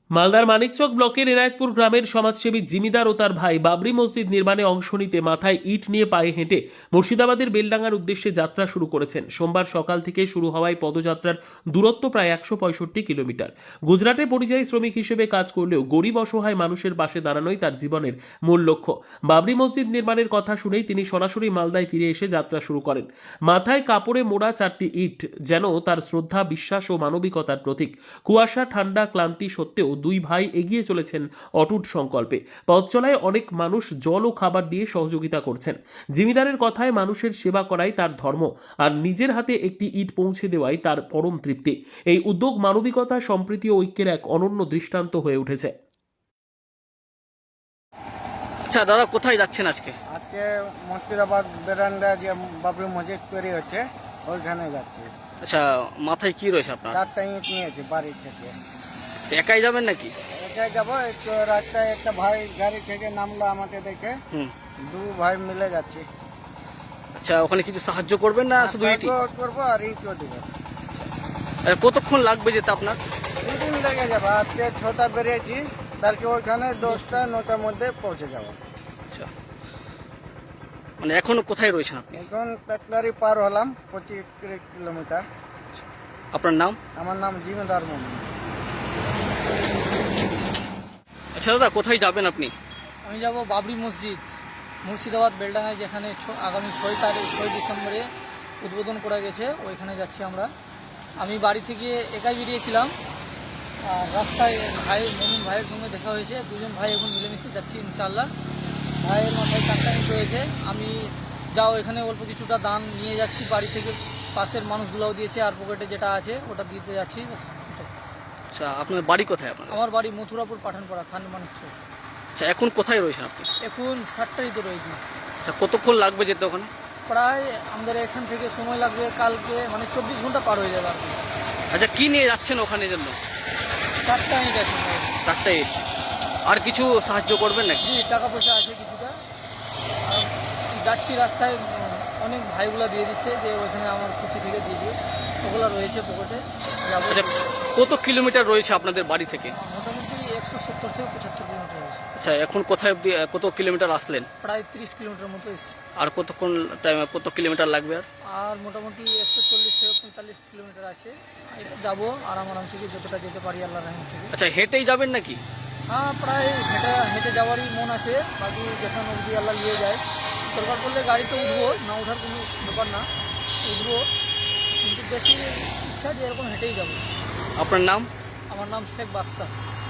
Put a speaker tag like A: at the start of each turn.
A: মালদার মানিকচক ব্লকের এনায়েতপুর গ্রামের সমাজসেবী জিমিদার ও তার ভাই বাবরি মসজিদ নির্মাণে অংশ নিতে মাথায় ইট নিয়ে পায়ে হেঁটে মুর্শিদাবাদের বেলডাঙ্গার উদ্দেশ্যে যাত্রা শুরু করেছেন। সোমবার সকাল থেকে শুরু হওয়ায় পদযাত্রার দূরত্ব প্রায় 165 কিলোমিটার। গুজরাটে পরিযায়ী শ্রমিক হিসেবে কাজ করলেও গরিব অসহায় মানুষের পাশে দাঁড়ানোই তার জীবনের মূল লক্ষ্য। বাবরি মসজিদ নির্মাণের কথা শুনেই তিনি সরাসরি মালদায় ফিরে এসে যাত্রা শুরু করেন। মাথায় কাপড়ে মোড়া 4টি ইট যেন তার শ্রদ্ধা, বিশ্বাস ও মানবিকতার প্রতীক। কুয়াশা, ঠান্ডা, ক্লান্তি সত্ত্বেও দুই ভাই এগিয়ে চলেছেন অটুট সংকল্পে। পথ চলায় অনেক মানুষ জল ও খাবার দিয়ে সহযোগিতা করছেন। জিমিদারের কথায় মানুষের সেবা করাই তার ধর্ম, আর নিজের হাতে একটি ইট পৌঁছে দেওয়াই তার পরম তৃপ্তি। এই উদ্যোগ মানবিকতা, সম্প্রীতি ও ঐক্যের এক অনন্য দৃষ্টান্ত হয়ে উঠেছে।
B: আচ্ছা দাদা, কোথায় যাচ্ছেন আজকে?
C: আজকে মুর্শিদাবাদ বেরান্ডা যে বাবরি মসজিদ তৈরি হচ্ছে ওইখানে যাচ্ছি।
B: আচ্ছা, মাথায় কি রয়েছে আপনার?
C: 4টা ইট নিয়েছি বাড়ি থেকে।
B: একাই যাবেন নাকি?
C: এটাই যাবো। একটু রাস্তায় একটা ভাই গাড়ি থেকে নামলো আমাকে দেখে, দু ভাই মিলে যাচ্ছি।
B: আচ্ছা, ওখানে কিছু সাহায্য করবেন না শুধু ইটই?
C: করবো আর ইটও দিব।
B: কতক্ষণ লাগবে যেতে আপনার?
C: 2 দিন লেগে যাবে। আজকে 6টা বেরিয়েছি, কালকে ওইখানে 10টা 9টার মধ্যে পৌঁছে যাবো।
B: আচ্ছা, মানে এখনো কোথায় রয়েছেন আপনি?
C: এখন তাকলারি পার হলাম 25 কিলোমিটার।
B: আপনার নাম?
C: আমার নাম জিমিদার মোহাম্মদ।
B: আচ্ছা দাদা, কোথায় যাবেন আপনি?
D: আমি যাব বাবরি মসজিদ, মুর্শিদাবাদ বেলডাঙ্গায়, যেখানে আগামী 6 ডিসেম্বরে উদ্বোধন করা গেছে, ওইখানে যাচ্ছি আমরা। আমি বাড়ি থেকে একাই বেরিয়েছিলাম, আর রাস্তায় মমিন ভাইয়ের সঙ্গে দেখা হয়েছে। দুজন ভাই এখন মিলেমিশে যাচ্ছি ইনশাআল্লাহ। ভাইয়ের মাথায় 4টা ইট রয়েছে। আমি এখানে অল্প কিছুটা দান নিয়ে যাচ্ছি বাড়ি থেকে, পাশের মানুষগুলোও দিয়েছে, আর পকেটে যেটা আছে ওটা দিতে যাচ্ছি।
B: আচ্ছা, আপনার বাড়ি কোথায় আপনার?
D: আমার বাড়ি মথুরাপুর, পাঠানপাড়া, থান মানিকচক।
B: আচ্ছা, এখন কোথায় রয়েছেন আপনি?
D: এখন 7টারিতে রয়েছি।
B: আচ্ছা, কতক্ষণ লাগবে যেতে ওখানে?
D: প্রায় আমাদের এখান থেকে সময় লাগবে কালকে, মানে 24 ঘন্টা পার হয়ে যাবে আর কি।
B: আচ্ছা, কি নিয়ে যাচ্ছেন ওখানে জন্য?
D: 4টা ইট আছে।
B: 4টা ইট। আর কিছু সাহায্য করবেন নাকি?
D: জি, টাকা পয়সা আছে কিছুটা। আর যাচ্ছি রাস্তায়, অনেক ভাইগুলো দিয়ে দিচ্ছে যে ওইখানে আমার খুশি থেকে দিয়ে দিও, ওগুলো রয়েছে পকেটে। যাবো।
B: আচ্ছা, কত কিলোমিটার রয়েছে আপনাদের বাড়ি থেকে?
D: মোটামুটি 170 থেকে 75 কিলোমিটার হয়েছে।
B: আচ্ছা, এখন কোথায় অবধি কত কিলোমিটার আসলেন?
D: প্রায় 30 কিলোমিটার মতো এসেছে।
B: আর কতক্ষণ টাইম, কত কিলোমিটার লাগবে আর?
D: আর মোটামুটি 140 থেকে 45 কিলোমিটার আছে। যাবো আরাম থেকে, যতটা যেতে পারি আল্লাহর রহমত থেকে।
B: আচ্ছা, হেঁটেই যাবেন নাকি?
D: হ্যাঁ, প্রায় হেঁটে যাওয়ারই মন আছে। বাকি যেখানে অবধি আল্লাহ নিয়ে যায়, দরকার পড়লে গাড়িতে উঠবো, না ওঠার কোনো ব্যাপার না, উঠবো। কিন্তু বেশি ইচ্ছা যে এরকম হেঁটেই যাবো।
B: আপনার নাম?
D: আমার নাম শেখ বাদশা।